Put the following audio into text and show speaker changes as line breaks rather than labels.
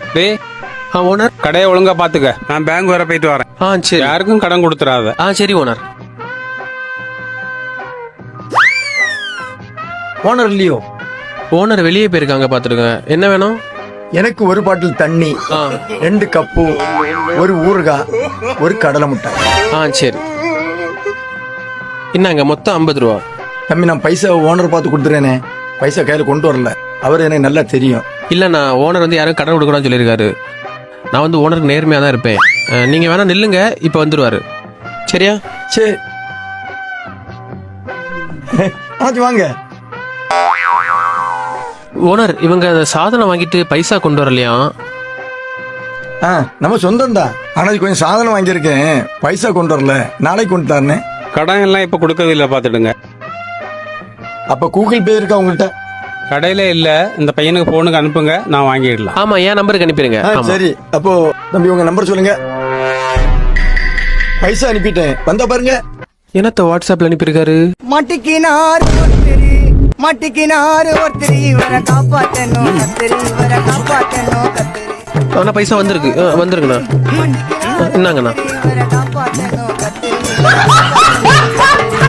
டேய்
ஓனர்.
கடையை ஒழுங்கா பாத்துக்க. நான் பேங்க் வர போயிட்டு வரேன்.
சரி.
யாருக்கும் கடன் கொடுத்துறாத.
சரி ஓனர்.
ஓனர் இல்லையோ?
ஓனர் வெளியே போயிருக்காங்க, பாத்துருங்க. என்ன வேணும்?
எனக்கு ஒரு பாட்டில் தண்ணி, 2 கப்பு, ஒரு ஊறுகாய், ஒரு கடலை முட்டை.
சரி. என்னங்க மொத்தம் 50 ரூபா.
தம்பி, நான் பைசா ஓனர் பார்த்து கொடுத்துறேனே, பைசா கையில கொண்டு வரல. அவர் எனக்கு நல்லா தெரியும்.
இல்ல, நான் ஓனர் வந்து யாரும் கடன் கொடுக்கணும்னு சொல்லியிருக்காரு. நான் வந்து ஓனருக்கு நேர்மையா தான் இருப்பேன். நீங்க வேணா நில்லுங்க, இப்ப வந்துருவாரு. சரியா?
சரி. வாங்க.
ஓனர், இவங்க சாதனம் வாங்கிட்டு பைசா கொண்டு வரலையா?
நம்ம சொந்தம் தான். ஆனா கொஞ்சம் சாதனம் வாங்கியிருக்கேன், பைசா கொண்டு வரல. நாளைக்கு கொண்டு தரேன்.
கடன் எல்லாம் இப்ப கொடுக்கறது இல்ல, பாத்துடுங்க.
அப்ப கூகுள் பே இருக்கா உங்கள்கிட்ட?
கடையில இல்ல. இந்த பையனுக்கு போனுக்கு அனுப்புங்க, நான் வாங்கிடலாம்.
ஆமா, என் நம்பருக்கு அனுப்பிடுங்க.
சரி. அப்போ தம்பி உங்க நம்பர் சொல்லுங்க. பைசா அனுப்பிட்டேன், வந்தா பாருங்க.
என்னத்த வாட்ஸ்அப்ல அனுப்பியிருக்காரு?
மாட்டிக்கினாரு ஒருத்தர், இவரை காப்பாத்தணும் கத்திரி, இவரை காப்பாத்தணும் கத்திரி.
ஆனா பைசா வந்திருக்கு. வந்துருங்கண்ணா. என்னங்கண்ணா?
இவரை காப்பாத்தணும் கத்திரி.